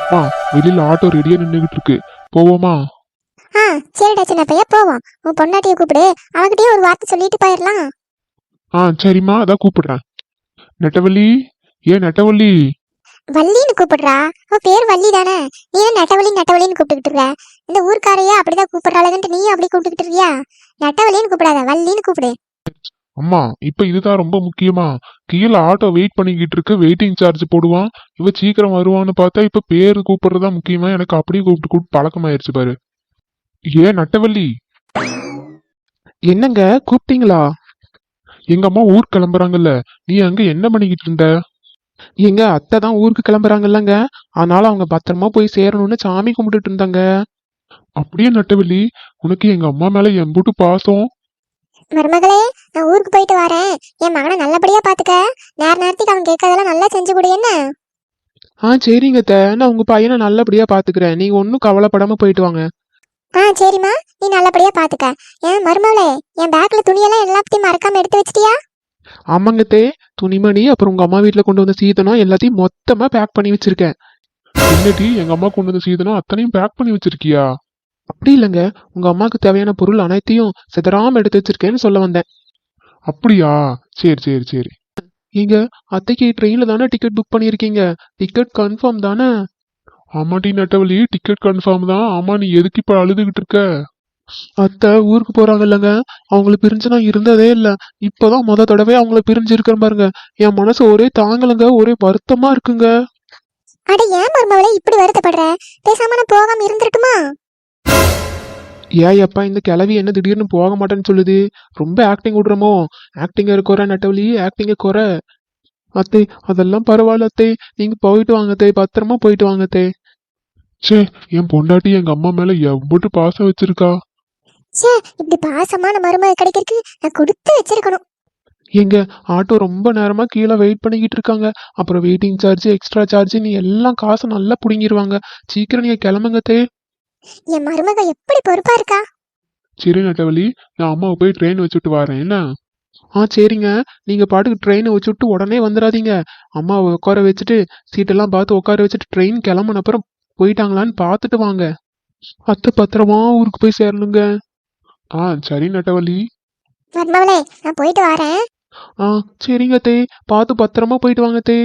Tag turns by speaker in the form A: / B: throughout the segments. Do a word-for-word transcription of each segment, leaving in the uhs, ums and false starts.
A: ஆ வெளியில ஆட்டோ ரெடியா நின்றுகிட்டு இருக்கு, போவோமா?
B: ஆ சரிடா சின்ன பையா போவோம். உன் பொண்டாட்டியை கூப்பிடு, அவகிட்டயே ஒரு வார்த்தை சொல்லிட்டு போயிடலாம்.
A: ஆ சரிம்மா, அதான் கூப்பிடுறேன். நெட்டவள்ளி, ஏன் நெட்டவள்ளி?
B: வள்ளின்னு கூப்பிடுறா, அவ பேர் வள்ளி தானே. நீ தான் நெட்டவள்ளி நெட்டவள்ளின்னு கூப்பிட்டுக்கிட்டு இருக்க. இந்த ஊர்க்காரையே அப்படிதான் கூப்பிடுறாளுங்கன்ட்டு நீயும் அப்படி கூப்பிட்டுக்கிட்டு இருக்கியா? நெட்டவள்ளின்னு கூப்பிடாத, வள்ளின்னு கூப்பிடு.
A: அம்மா, இப்ப இதுதான் ரொம்ப முக்கியமா. கீழே ஆட்டோ வெயிட் பண்ணிக்கிட்டு இருக்கு, வெயிட்டிங் சார்ஜ் போடுவான். இவ சீக்கிரம் வருவான்னு பார்த்தா இப்ப பேரு கூப்பிடுறதா முக்கியமா. எனக்கு அப்படியே கூப்பிட்டு கூப்பிட்டு பழக்கமாயிருச்சு பாரு. ஏன் நட்டவள்ளி?
C: என்னங்க கூப்பிட்டீங்களா?
A: எங்க அம்மா ஊர் கிளம்புறாங்கல்ல, நீ அங்க என்ன பண்ணிக்கிட்டு இருந்த?
C: எங்க அத்தை தான் ஊருக்கு கிளம்புறாங்கல்லங்க, அதனால அவங்க பத்திரமா போய் சேரணும்னு சாமி கும்பிட்டுட்டு இருந்தாங்க.
A: அப்படியே நட்டவள்ளி, உனக்கு எங்க அம்மா மேல எம்புட்டு பாசம்.
B: மருமகளே, நான் ஊருக்கு போயிட்டு வரேன். என் மகனை நல்லபடியா பாத்துக்க. நேர நேரத்துக்கு அவன் கேட்கறதெல்லாம் நல்லா செஞ்சு கொடு என்ன.
C: ஆ சரிங்க அத்தை, நான் உங்க பையனை நல்லபடியா பாத்துக்கிறேன், நீங்க ஒன்னும் கவலைப்படாம போயிட்டு வாங்க.
B: ஆ சரிம்மா, நீ நல்லபடியா பாத்துக்க. ஏன் மருமகளே, என் பேக்ல துணியெல்லாம் எல்லாத்தையும் மறக்காம எடுத்து வச்சிட்டியா?
C: ஆமாங்கத்தே, துணிமணி அப்புறம் உங்க அம்மா வீட்டுல கொண்டு வந்த சீதனம் எல்லாத்தையும் மொத்தமா பேக் பண்ணி வச்சிருக்கேன்.
A: என்னடி, எங்க அம்மா கொண்டு வந்து சீதனம் அத்தனையும் பேக் பண்ணி வச்சிருக்கியா?
C: அப்படி இல்லைங்க, உங்க அம்மாவுக்கு தேவையான பொருள் அனைத்தையும் சிதறாம எடுத்து வச்சிருக்கேன்னு சொல்ல வந்தேன்.
A: அப்படியா? சரி சரி சரி.
C: நீங்க அத்தைக்கு ட்ரெயின்ல தானே டிக்கெட் புக் பண்ணிருக்கீங்க, டிக்கெட் கன்ஃபார்ம் தானே?
A: ஆமாட்டி நட்டவள்ளி, டிக்கெட் கன்ஃபார்ம் தான். ஆமா, நீ எதுக்கு இப்ப அழுதுகிட்டு இருக்க?
C: அத்தை ஊருக்கு போறாங்க இல்லைங்க, அவங்கள பிரிஞ்சு நான் இருந்ததே இல்ல. இப்பதான் முத தடவை அவங்கள பிரிஞ்சு இருக்கிறேன் பாருங்க. என் மனசு ஒரே தாங்கலங்க, ஒரே வருத்தமா இருக்குங்க.
B: அட ஏன் மருமகளே இப்படி வருத்தப்படுற? பேசாம நான் போகாம இருந்திருக்குமா?
C: ஏன் அப்பா இந்த கிளவி என்ன திடீர்னு போக மாட்டேன்னு சொல்லுது? ரொம்ப ஆக்டிங் விடுறோமோ? ஆக்டிங்க குறை நட்டவழி, ஆக்டிங்க குறை. அத்தை அதெல்லாம் பரவாயில்ல அத்தை, நீங்க போயிட்டு வாங்க அத்தை, பத்திரமா போயிட்டு வாங்க அத்தை.
A: சே, என் பொண்டாட்டி எங்க அம்மா மேல எவ்வளவு பாசம் வச்சிருக்கா.
B: சே, இப்படி பாசமான மருமக கிடைக்கிறதுக்கு நான் கொடுத்து வச்சிருக்கணும்.
C: எங்க ஆட்டோ ரொம்ப நேரமா கீழே வெயிட் பண்ணிக்கிட்டு இருக்காங்க. அப்புறம் வெயிட்டிங் சார்ஜ், எக்ஸ்ட்ரா சார்ஜ், நீ எல்லாம் காசை நல்லா புடுங்கிடுவாங்க. சீக்கிரம் நீங்க கிளம்புங்க அத்தை.
B: என் மருமக எப்படி பொறுப்பா இருக்கா.
A: சரி நட்டவள்ளி, நான் அம்மாவை போய் ட்ரெயின் வச்சுட்டு வரேன் என்ன?
C: ஆ சரிங்க, நீங்க பாட்டுக்கு ட்ரெயினை வச்சுட்டு உடனே வந்துடாதீங்க. அம்மாவை உட்கார வச்சுட்டு சீட்டெல்லாம் பார்த்து உட்கார வச்சுட்டு ட்ரெயின் கிளம்புன அப்புறம் போயிட்டாங்களான்னு பார்த்துட்டு வாங்க. அத்தை பத்திரமா ஊருக்கு போய் சேரணுங்க.
A: ஆ சரி நட்டவள்ளி.
B: மருமகளே, நான் போயிட்டு வரேன்.
C: ஆ சரிங்க அத்தை, பார்த்து பத்திரமா போயிட்டு வாங்க அத்தை.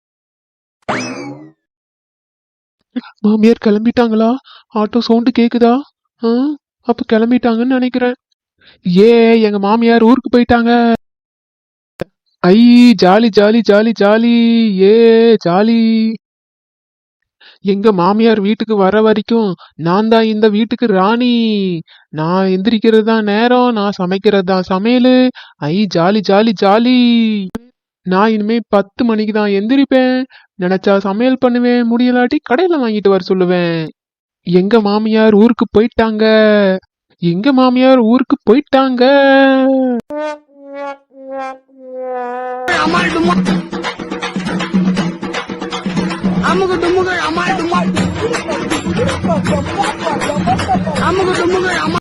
C: மாமியார் கிளம்பிட்டாங்களா? ஆட்டோ சவுண்டு கேக்குதா? ஆ அப்ப கிளம்பிட்டாங்கன்னு நினைக்கிறேன். ஏ எங்க மாமியார் ஊருக்கு போயிட்டாங்க. ஐ ஜாலி ஜாலி ஜாலி ஜாலி, ஏ ஜாலி. எங்க மாமியார் வீட்டுக்கு வர வரைக்கும் நான் தான் இந்த வீட்டுக்கு ராணி. நான் எந்திரிக்கிறது தான் நேரம், நான் சமைக்கிறது தான் சமையல். ஐ ஜாலி ஜாலி ஜாலி. நான் இனிமே பத்து மணிக்கு தான் எந்திரிப்பேன். நினைச்சா சமையல் பண்ணுவேன், முடியலாட்டி கடையில வாங்கிட்டு வர சொல்லுவேன். எங்க மாமியார் ஊருக்கு போயிட்டாங்க, எங்க மாமியார் ஊருக்கு போயிட்டாங்க.
D: அமுகு டுமுகு அமால் டுமால் அமுகு டுமுகு அமால்